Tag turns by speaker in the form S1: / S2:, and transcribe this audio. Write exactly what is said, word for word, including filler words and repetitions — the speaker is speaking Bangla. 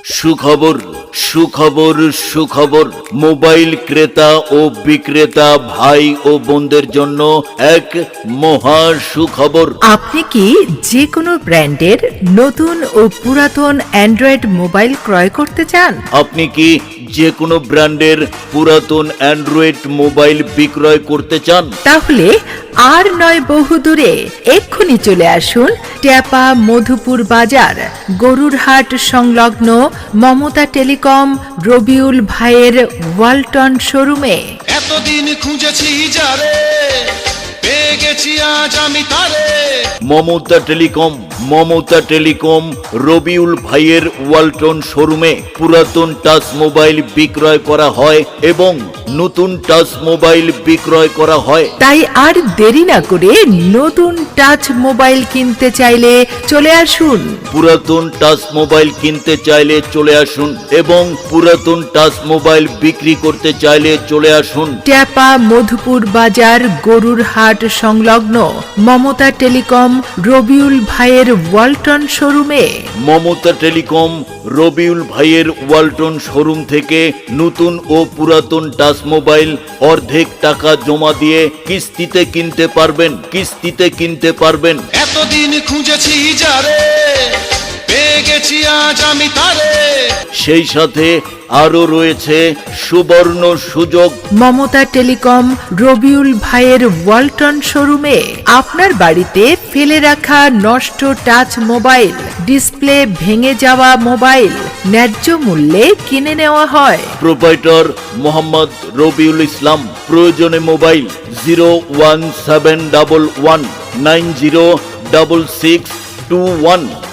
S1: সুখবর সুখবর সুখবর মোবাইল ক্রেতা ও বিক্রেতা ভাই ও বোনদের জন্য এক মহা সুখবর।
S2: আপনি কি যে কোনো ব্র্যান্ডের নতুন ও পুরাতন অ্যান্ড্রয়েড মোবাইল ক্রয় করতে চান?
S1: আপনি কি যে কোনো ব্র্যান্ডের পুরাতন অ্যান্ড্রয়েড মোবাইল বিক্রয় করতে চান?
S2: তাহলে আর নয় বহুদূরে, এক্ষুনি চলে আসুন ট্যাপা মধুপুর বাজার গরুরহাট সংলগ্ন মমতা টেলিকম রবিউল ভাইয়ের ওয়ালটন শোরুমে।
S3: এতদিন খুঁজেছি যারে, পেয়ে গেছি আজ আমি তারে।
S1: মমতা টেলিকম মমতা টেলিকম রবিউল ভাইয়ের ওয়ালটন শোরুমে পুরাতন টাচ মোবাইল বিক্রয় করা হয় এবং নতুন টাচ মোবাইল বিক্রয় করা হয়।
S2: তাই আর দেরি না করে নতুন টাচ মোবাইল কিনতে চাইলে চলে আসুন।
S1: পুরাতন টাচ মোবাইল কিনতে চাইলে চলে আসুন এবং পুরাতন টাচ মোবাইল বিক্রি করতে চাইলে চলে আসুন
S2: ট্যাপা মধুপুর বাজার গরুরহাট সংলগ্ন মমতা টেলিকম রবিউল ভাইয়ের ওয়ালটন শোরুমে।
S1: মমতা টেলিকম রবিউল ভাইয়ের ওয়ালটন শোরুম থেকে নতুন ও পুরাতন টাচ মোবাইল অর্ধেক টাকা জমা দিয়ে কিস্তিতে কিনতে পারবেন কিস্তিতে কিনতে পারবেন
S3: এতদিন খুঁজেছি যারে, পেয়ে গেছি আজ আমি তারে।
S1: সেই সাথে আরো রয়েছে সুবর্ণ সুযোগ।
S2: মমতা টেলিকম রবিউল ভাইয়ের ওয়ালটন শোরুমে আপনার বাড়িতে ফেলে রাখা নষ্ট টাচ মোবাইল, ডিসপ্লে ভেঙে যাওয়া মোবাইল ন্যায্য মূল্যে কিনে নেওয়া হয়।
S1: প্রোপাইটর মোহাম্মদ রবিউল ইসলাম। প্রয়োজনে mobile zero one seven double one nine zero double six two one.